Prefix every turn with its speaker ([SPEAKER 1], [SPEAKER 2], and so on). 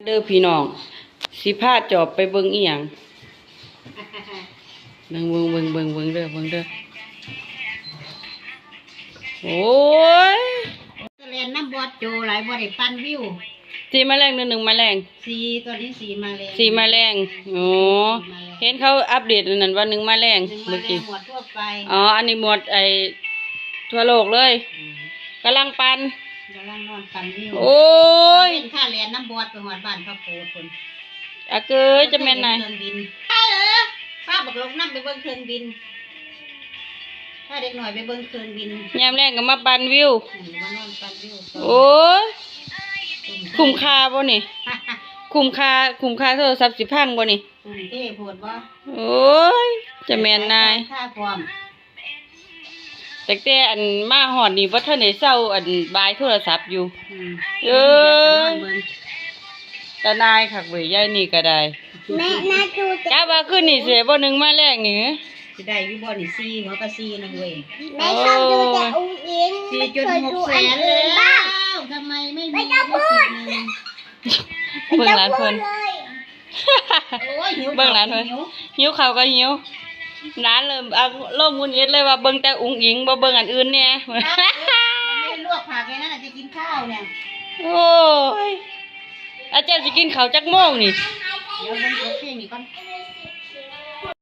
[SPEAKER 1] ด้อพี่น้องสิพาจอบไปเบิ่งอีหยังเบิ่งเด้อโอ้ย
[SPEAKER 2] เรียนน้ำบอดโจหลายบอดได้ปั้นวิว
[SPEAKER 1] สีแมลงหนึ่งแมลง
[SPEAKER 2] สีตัวนี้สีแมลง
[SPEAKER 1] โอ้เห็นเขาอัปเดตนั่นว่า1แมลงเมื่อกี้
[SPEAKER 2] หมวดทั่วไป
[SPEAKER 1] อันนี้หมวดทั่วโลกเลยกำลังปัน
[SPEAKER 2] นอนปั้นวิว
[SPEAKER 1] โอ้ย
[SPEAKER 2] เป็นค่าเรียนน้ำบอดไปหอดบ้านพระโพธิ์คน
[SPEAKER 1] เกยจะแม่นไหน
[SPEAKER 2] ป้าบอกลงน้ำไปเบิ่งเครื่องบินถ้าเด็กหน่อยไปเบิ่งเครื่องบิน
[SPEAKER 1] ยามแรงก็มาปันวิว
[SPEAKER 2] มานอนปั้นวิว
[SPEAKER 1] โอ้ยคุ้มค่าบ่นี่คุ้มค่าโทรศัพท์สิพังบ่นี่
[SPEAKER 2] เท่โพดบ่
[SPEAKER 1] โอ้ยจะแม่นนาย
[SPEAKER 2] ค่าพร้อม
[SPEAKER 1] แต่อันมาหอดนี่บ่ทันได้เซาอันบายโทรศัพท์อยู่ตานายคักเว้ยยายนี่ก็ได้
[SPEAKER 2] แม่น่าดู
[SPEAKER 1] จ้าว่าขึ้นนี่สิบ่1มาแรงนี่
[SPEAKER 2] สิได้อยู่บ่นี่4หัวก็4นึงเว้ย
[SPEAKER 3] แม่ชอบดูแต่อุ้งอิง
[SPEAKER 2] 4.6 แสนแล้วทำไมไม่มี
[SPEAKER 1] เบิ่งร้านเพิ่นเบิ่งร้านเพิ่นหิวข้าวก็หิวร้านเริ่มลมงุนงิดเลยว่าเบิ่งแต่อุ้งอิงบ่เบิ่งอันอื่นแน่
[SPEAKER 2] ไม่ลวกผักเลยนั่นน่ะจะกินข้าวเนี่ย
[SPEAKER 1] โอ้ยอาจารย์สิกินข้าวจักโมงนี่
[SPEAKER 2] เดี๋ยวเบิ่งเพลงนี่ก่อน